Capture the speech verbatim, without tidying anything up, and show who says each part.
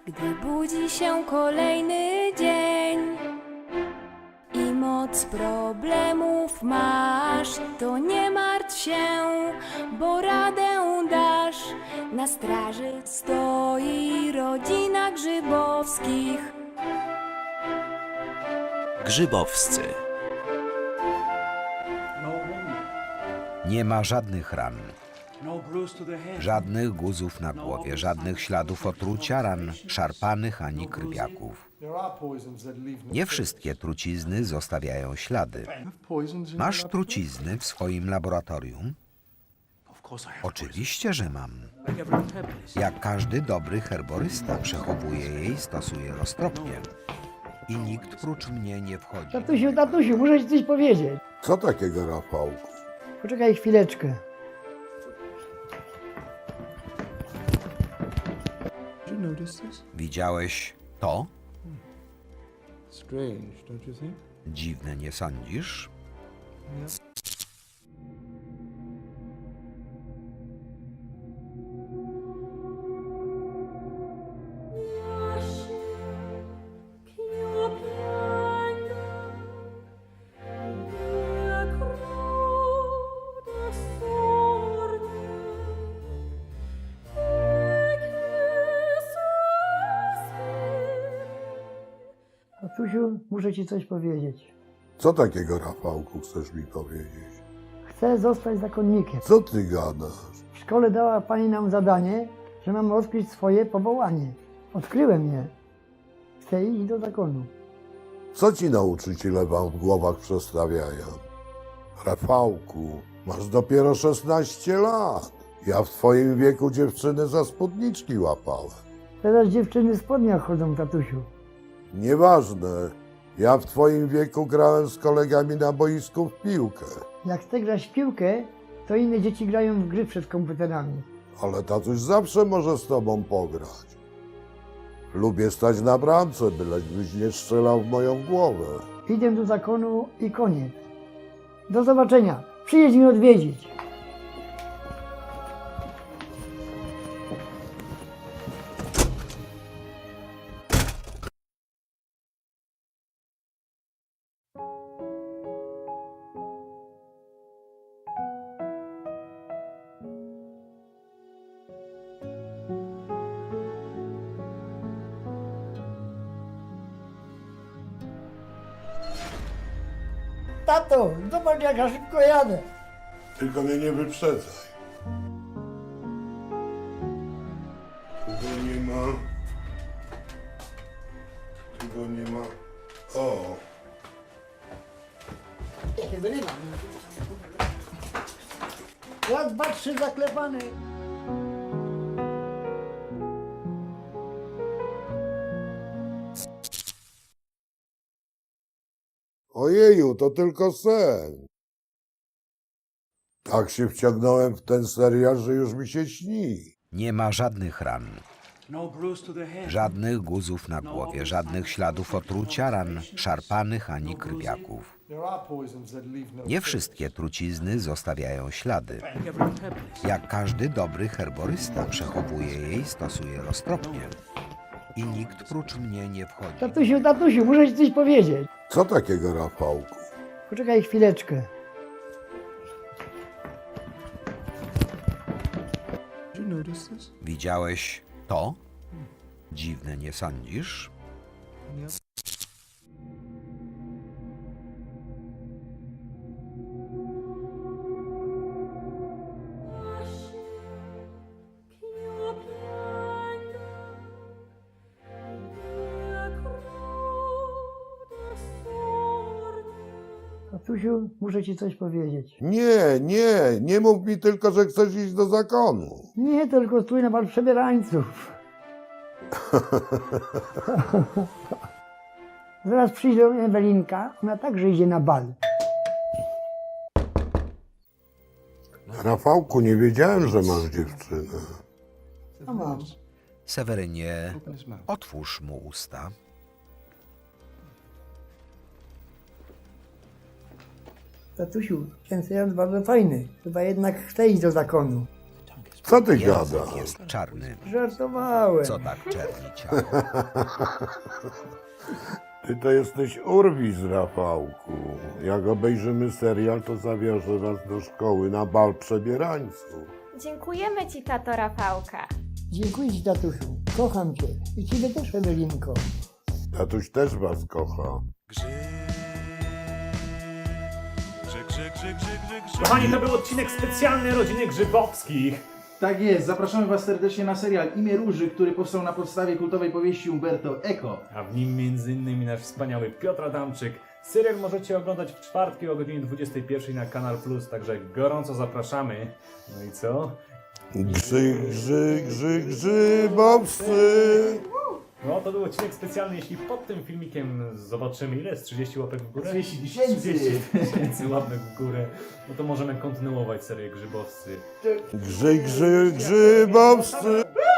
Speaker 1: Gdy budzi się kolejny dzień i moc problemów masz, to nie martw się, bo radę dasz. Na straży stoi rodzina Grzybowskich.
Speaker 2: Grzybowscy.
Speaker 3: Nie ma żadnych ran, żadnych guzów na głowie, żadnych śladów otrucia, ran szarpanych ani krwiaków. Nie wszystkie trucizny zostawiają ślady. Masz trucizny w swoim laboratorium? Oczywiście, że mam. Jak każdy dobry herborysta przechowuje je i stosuje roztropnie. I nikt prócz mnie nie wchodzi.
Speaker 4: Tatusiu, tatusiu, muszę ci coś powiedzieć.
Speaker 5: Co takiego, Rafałku?
Speaker 4: Poczekaj chwileczkę.
Speaker 3: Widziałeś to?
Speaker 6: Strange, don't you think?
Speaker 3: Dziwne, nie sądzisz?
Speaker 4: Tatusiu, muszę ci coś powiedzieć.
Speaker 5: Co takiego, Rafałku, chcesz mi powiedzieć?
Speaker 4: Chcę zostać zakonnikiem.
Speaker 5: Co ty gadasz?
Speaker 4: W szkole dała pani nam zadanie, że mam odkryć swoje powołanie. Odkryłem je. Chcę iść do zakonu.
Speaker 5: Co ci nauczyciele wam w głowach przestawiają? Rafałku, masz dopiero szesnaście lat. Ja w twoim wieku dziewczyny za spódniczki łapałem.
Speaker 4: Teraz dziewczyny w spodniach chodzą, tatusiu.
Speaker 5: Nieważne. Ja w twoim wieku grałem z kolegami na boisku w piłkę.
Speaker 4: Jak chcę grać w piłkę, to inne dzieci grają w gry przed komputerami.
Speaker 5: Ale tatuś zawsze może z tobą pograć. Lubię stać na bramce, byleś nie strzelał w moją głowę.
Speaker 4: Idę do zakonu i koniec. Do zobaczenia. Przyjedź mnie odwiedzić. Tato, zobacz jak ja szybko jadę.
Speaker 5: Tylko mnie nie wyprzedzaj. Tego nie ma. Tego nie ma. O!
Speaker 4: Tego nie ma. Raz, dwa, trzy, zaklepany.
Speaker 5: Ojeju, to tylko sen. Tak się wciągnąłem w ten serial, że już mi się śni.
Speaker 3: Nie ma żadnych ran, żadnych guzów na głowie, żadnych śladów otrucia, ran szarpanych ani krwiaków. Nie wszystkie trucizny zostawiają ślady. Jak każdy dobry herborysta przechowuje je i stosuje roztropnie. I nikt prócz mnie nie wchodzi.
Speaker 4: Tatusiu, tatusiu, muszę ci coś powiedzieć.
Speaker 5: Co takiego, Rafałku?
Speaker 4: Poczekaj chwileczkę.
Speaker 6: Did you notice this?
Speaker 3: Widziałeś to? Dziwne, nie sądzisz?
Speaker 4: Tatusiu, muszę ci coś powiedzieć.
Speaker 5: Nie, nie, nie mów mi tylko, że chcesz iść do zakonu.
Speaker 4: Nie, tylko stój na bal przebierańców. Zaraz przyjdzie Ewelinka, ona także idzie na bal.
Speaker 5: Rafałku, nie wiedziałem, że masz dziewczynę.
Speaker 4: No mam.
Speaker 3: Sewerynie, otwórz mu usta.
Speaker 4: Tatusiu, ten serial bardzo fajny. Chyba jednak chcę iść do zakonu.
Speaker 6: The tongue is
Speaker 5: Co ty
Speaker 3: Język
Speaker 5: gadasz?
Speaker 3: jest czarny.
Speaker 4: Żartowałem.
Speaker 3: Co tak czerni ciało?
Speaker 5: Ty to jesteś urwis, Rafałku. Jak obejrzymy serial, to zawiążę was do szkoły na bal przebierańców.
Speaker 2: Dziękujemy Ci, tato Rafałka.
Speaker 4: Dziękuję Ci, tatusiu. Kocham Cię. I Ciebie też, Ewelinko.
Speaker 5: Tatuś też was kocha.
Speaker 7: Kochani, to był odcinek specjalny Rodziny Grzybowskich.
Speaker 8: Tak jest, zapraszamy Was serdecznie na serial Imię Róży, który powstał na podstawie kultowej powieści Umberto Eco.
Speaker 7: A w nim między innymi nasz wspaniały Piotr Adamczyk. Serial możecie oglądać w czwartki o godzinie dwudziestej pierwszej na Kanal Plus, także gorąco zapraszamy. No i co?
Speaker 5: Grzy, grzy, grzy, grzybowscy.
Speaker 7: No to był odcinek specjalny, jeśli pod tym filmikiem zobaczymy ile jest trzydzieści łapek w górę?
Speaker 8: trzydzieści tysięcy.
Speaker 7: trzydzieści tysięcy łapek w górę. No to możemy kontynuować serię Grzybowscy.
Speaker 5: Grzy, grzy, grzybowscy.